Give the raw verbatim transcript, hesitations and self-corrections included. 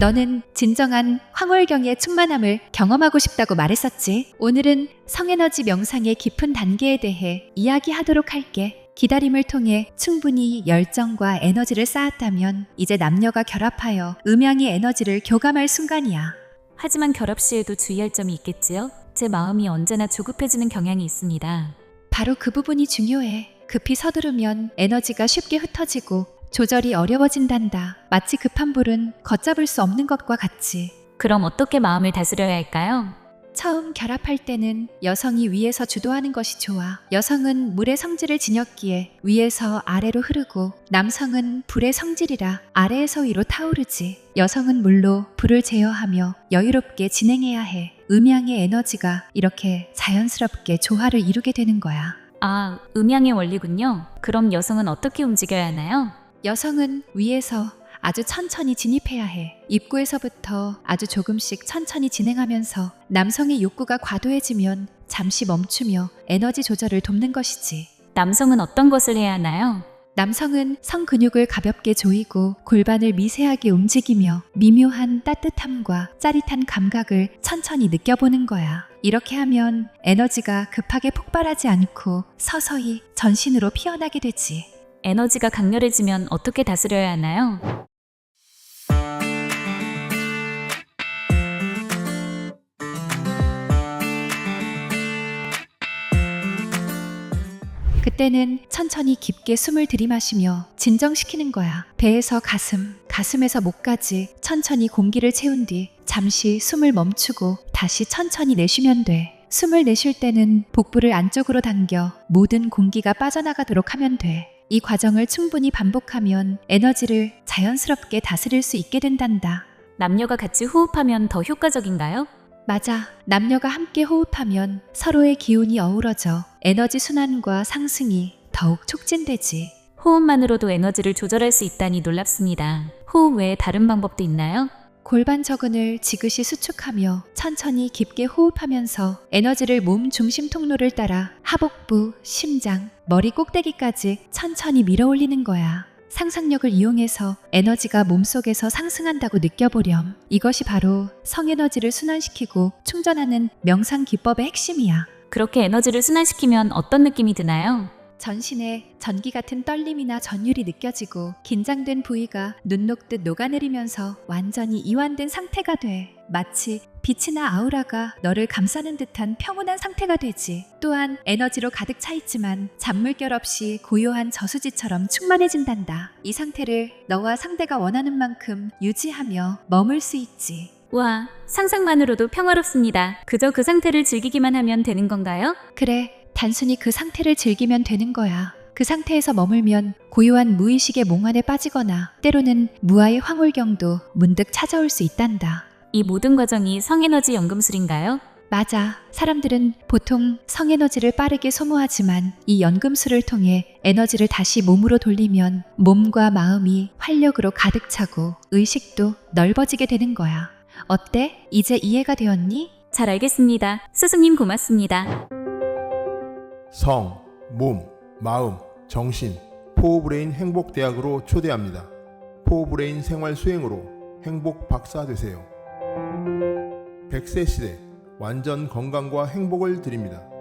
너는 진정한 황홀경의 충만함을 경험하고 싶다고 말했었지. 오늘은 성에너지 명상의 깊은 단계에 대해 이야기하도록 할게. 기다림을 통해 충분히 열정과 에너지를 쌓았다면 이제 남녀가 결합하여 음양의 에너지를 교감할 순간이야. 하지만 결합 시에도 주의할 점이 있겠지요? 제 마음이 언제나 조급해지는 경향이 있습니다. 바로 그 부분이 중요해. 급히 서두르면 에너지가 쉽게 흩어지고 조절이 어려워진단다. 마치 급한 불은 걷잡을 수 없는 것과 같이. 그럼 어떻게 마음을 다스려야 할까요? 처음 결합할 때는 여성이 위에서 주도하는 것이 좋아. 여성은 물의 성질을 지녔기에 위에서 아래로 흐르고, 남성은 불의 성질이라 아래에서 위로 타오르지. 여성은 물로 불을 제어하며 여유롭게 진행해야 해. 음양의 에너지가 이렇게 자연스럽게 조화를 이루게 되는 거야. 아, 음양의 원리군요. 그럼 여성은 어떻게 움직여야 하나요? 여성은 위에서 아주 천천히 진입해야 해. 입구에서부터 아주 조금씩 천천히 진행하면서 남성의 욕구가 과도해지면 잠시 멈추며 에너지 조절을 돕는 것이지. 남성은 어떤 것을 해야 하나요? 남성은 성근육을 가볍게 조이고 골반을 미세하게 움직이며 미묘한 따뜻함과 짜릿한 감각을 천천히 느껴보는 거야. 이렇게 하면 에너지가 급하게 폭발하지 않고 서서히 전신으로 피어나게 되지. 에너지가 강렬해지면 어떻게 다스려야 하나요? 그때는 천천히 깊게 숨을 들이마시며 진정시키는 거야. 배에서 가슴, 가슴에서 목까지 천천히 공기를 채운 뒤 잠시 숨을 멈추고 다시 천천히 내쉬면 돼. 숨을 내쉴 때는 복부를 안쪽으로 당겨 모든 공기가 빠져나가도록 하면 돼. 이 과정을 충분히 반복하면 에너지를 자연스럽게 다스릴 수 있게 된단다. 남녀가 같이 호흡하면 더 효과적인가요? 맞아. 남녀가 함께 호흡하면 서로의 기운이 어우러져 에너지 순환과 상승이 더욱 촉진되지. 호흡만으로도 에너지를 조절할 수 있다니 놀랍습니다. 호흡 외에 다른 방법도 있나요? 골반 저근을 지그시 수축하며 천천히 깊게 호흡하면서 에너지를 몸 중심 통로를 따라 하복부, 심장, 머리 꼭대기까지 천천히 밀어 올리는 거야. 상상력을 이용해서 에너지가 몸속에서 상승한다고 느껴보렴. 이것이 바로 성에너지를 순환시키고 충전하는 명상 기법의 핵심이야. 그렇게 에너지를 순환시키면 어떤 느낌이 드나요? 전신에 전기 같은 떨림이나 전율이 느껴지고 긴장된 부위가 눈 녹듯 녹아내리면서 완전히 이완된 상태가 돼. 마치 빛이나 아우라가 너를 감싸는 듯한 평온한 상태가 되지. 또한 에너지로 가득 차 있지만 잔물결 없이 고요한 저수지처럼 충만해진단다. 이 상태를 너와 상대가 원하는 만큼 유지하며 머물 수 있지. 와, 상상만으로도 평화롭습니다. 그저 그 상태를 즐기기만 하면 되는 건가요? 그래, 단순히 그 상태를 즐기면 되는 거야. 그 상태에서 머물면 고요한 무의식의 몽환에 빠지거나 때로는 무아의 황홀경도 문득 찾아올 수 있단다. 이 모든 과정이 성에너지 연금술인가요? 맞아. 사람들은 보통 성에너지를 빠르게 소모하지만 이 연금술을 통해 에너지를 다시 몸으로 돌리면 몸과 마음이 활력으로 가득 차고 의식도 넓어지게 되는 거야. 어때? 이제 이해가 되었니? 잘 알겠습니다. 스승님 고맙습니다. 성, 몸, 마음, 정신, 포브레인 행복대학으로 초대합니다. 포브레인 생활 수행으로 행복 박사 되세요. 백 세 시대 완전 건강과 행복을 드립니다.